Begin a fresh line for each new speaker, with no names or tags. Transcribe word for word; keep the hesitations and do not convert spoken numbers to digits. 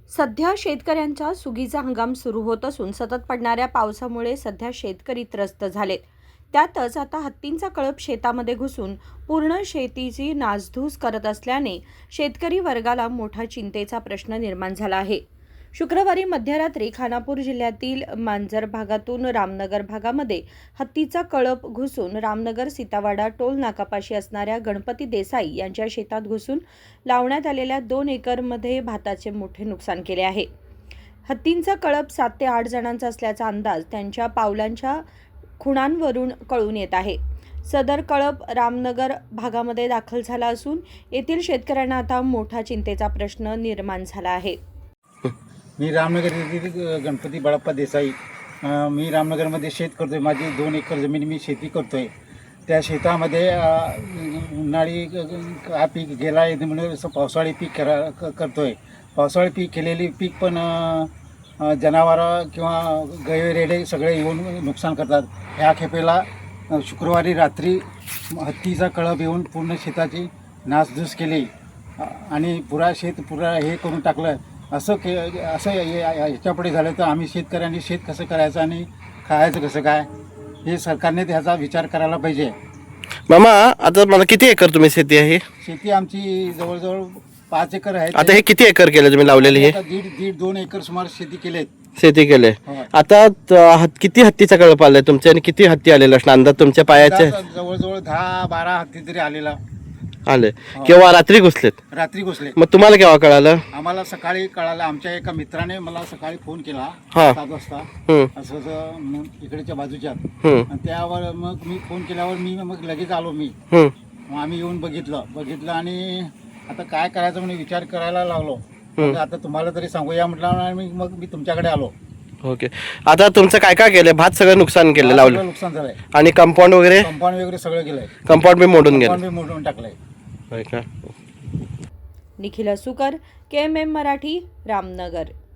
सध्या शेतकऱ्यांचा सुगीचा हंगाम सुरू होत असून सतत पडणाऱ्या पावसामुळे सध्या शेतकरी त्रस्त झालेत। त्यातच आता हत्तींचा कळप शेतामध्ये घुसून पूर्ण शेतीची नासधूस करत असल्याने शेतकरी वर्गाला मोठा चिंतेचा प्रश्न निर्माण झाला आहे। शुक्रवारी मध्यरात्री खानापूर जिल्ह्यातील मांजर भागातून रामनगर भागामध्ये हत्तीचा कळप घुसून रामनगर सीतावाडा टोल नाकापाशी असणाऱ्या गणपती देसाई यांच्या शेतात घुसून लावण्यात आलेल्या दोन एकरमध्ये भाताचे मोठे नुकसान केले आहे। हत्तींचा कळप सात ते आठ जणांचा असल्याचा अंदाज त्यांच्या पावलांच्या खुणांवरून कळून येत आहे। सदर कळप रामनगर भागामध्ये दाखल झाला असून येथील शेतकऱ्यांना आता मोठा चिंतेचा प्रश्न निर्माण झाला आहे।
मी रामनगर येथील गणपती बाळप्पा देसाई मी रामनगरमध्ये शेत करतोय। माझी दोन एकर जमीन मी शेती करतोय। त्या शेतामध्ये उन्हाळी हा पीक गेला आहे म्हणून असं पावसाळी पीक करा करतोय। पावसाळी पीक केलेली पीक पण जनावरं किंवा गैरेडे सगळे येऊन नुकसान करतात। ह्या खेपेला शुक्रवारी रात्री हत्तीचा कळप येऊन पूर्ण शेताची नासधूस केली आणि पुरा शेत पुरा हे करून टाकलं। असं के असं याच्यापुढे झालं तर आम्ही शेतकऱ्यांनी शेत कसं करायचं आणि खायचं कसं काय हे सरकारने त्याचा विचार करायला पाहिजे।
मामा, आता मला किती एकर तुम्ही शेती आहे?
शेती आमची जवळजवळ पाच एकर आहे।
आता हे किती एकर केलं तुम्ही लावलेली? हे
दीड दीड दोन एकर सुमार शेती केले
शेती केले। आता किती हत्तीचा कळप आलाय तुमच्या आणि किती हत्ती आलेला असणार अंदाज तुमच्या पायाचे?
जवळजवळ दहा बारा हत्ती तरी आलेला
आले। केव्हा? रात्री घुसलेत?
रात्री घुसले।
मग तुम्हाला केव्हा कळालं?
आम्हाला सकाळी कळालं। आमच्या एका मित्राने मला सकाळी फोन केला
हा
सात वाजता असं असं इकडच्या बाजूच्या।
हम्म
त्यावर मग मी फोन केल्यावर मी मग लगेच आलो। मी
हम्म
मग आम्ही येऊन बघितलं बघितलं आणि आता काय करायचं म्हणून विचार करायला लागलो। आता तुम्हाला तरी सांगूया म्हटलं आणि मग मी तुमच्याकडे आलो।
ओके, आता तुमचं काय काय केलंय? भात सगळं नुकसान केलं, लावलं
नुकसान झालंय
आणि कंपाऊंड वगैरे
कंपाऊंड वगैरे सगळं गेलंय।
कंपाऊंड बी मोडून गेलं?
कंपाऊंड बी मोडून टाकलंय।
होय का?
Nikhil Sukar, K M M Marathi, Ramnagar.